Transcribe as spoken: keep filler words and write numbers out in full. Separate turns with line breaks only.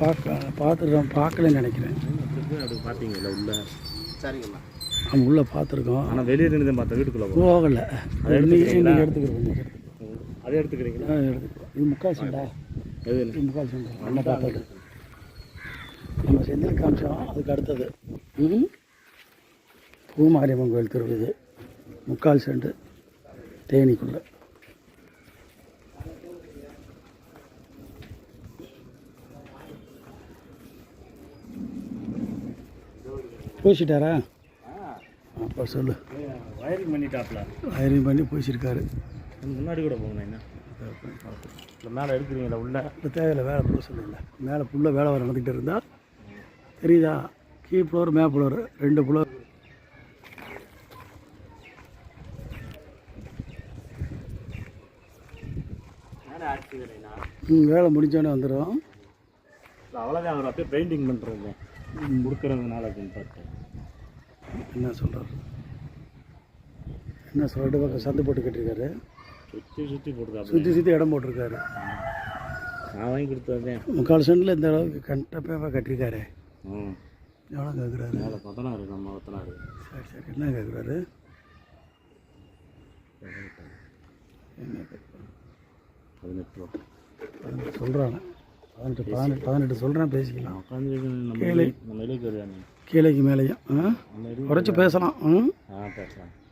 பார்க்க பார்த்துருக்கோம், பார்க்கலன்னு நினைக்கிறேன்.
அப்படி பார்த்தீங்கல்ல உள்ள? சரிங்கம்மா.
நம்ம உள்ளே பார்த்துருக்கோம்,
ஆனால் வெளியே நின்று தான் பார்த்தா வீட்டுக்குள்ளே
போகலை.
அதை
எடுத்துக்கிறோம், எடுத்துக்கிறோம்.
அதை எடுத்துக்கிறீங்களா?
எடுத்துக்கிறோம். இது முக்கால் செண்டா?
எது?
இது முக்கால் செண்டா நல்லா பார்த்தது. நம்ம செந்தில் காமிச்சோம், அதுக்கு அடுத்தது ம் பூமாரியம்மன் கோயில் தெரு. இது முக்கால் செண்டு தேனிக்குள்ளே. பூசிட்டாரா? அப்போ சொல்லு.
வயரிங் பண்ணிட்டாப்ல.
வயரிங் பண்ணி பூசிருக்காரு.
முன்னாடி கூட போகணும். என்ன இல்லை மேலே எடுக்கிறீங்களா உள்ள?
இப்போ தேவையில்லை, வேலை பூச இல்லை. மேலே ஃபுல்லாக வேலை வர நடந்துக்கிட்டு இருந்தால் தெரியுதா? கீ ஃப்ளோர் மே ஃப்ளோர் ரெண்டு ஃப்ளோர். ம் வேலை முடிஞ்சோடனே வந்துடும்.
அவ்வளோதான். அவர் அப்படியே பெயிண்டிங் பண்ணுறது கொடுக்குறதுனால அப்படின்னு பார்த்தேன்.
என்ன சொல்கிறார்? என்ன சொல்லிட்டு பக்கம் சந்து போட்டு கட்டிருக்காரு.
சுற்றி சுற்றி போட்டுருக்காரு.
சுற்றி சுற்றி இடம் போட்டிருக்காரு.
நான் வாங்கி கொடுத்ததேன்.
முக்கால் சென்டில் இந்த அளவுக்கு கண்டப்பேவாக கட்டிருக்காரு.
ம்
எவ்வளோ கேட்குறாரு?
மேலே பத்தனாரு. நம்ம பத்தனாரு.
சரி சரி. என்ன கேட்குறாரு? என்ன கேட்குறாரு?
பதினெட்டு ரூபா
பதினெட்டு சொல்கிறாங்க. பதினெட்டு பதினெட்டு பதினெட்டு சொல்கிறேன், பேசிக்கலாம்.
உட்காந்து நம்ம
கீழே
நம்ம இலைக்கு வருவாங்க.
கீழேக்கு மேலேயும் குறைச்சி பேசலாம். ம்
ஆ பேசலாம்.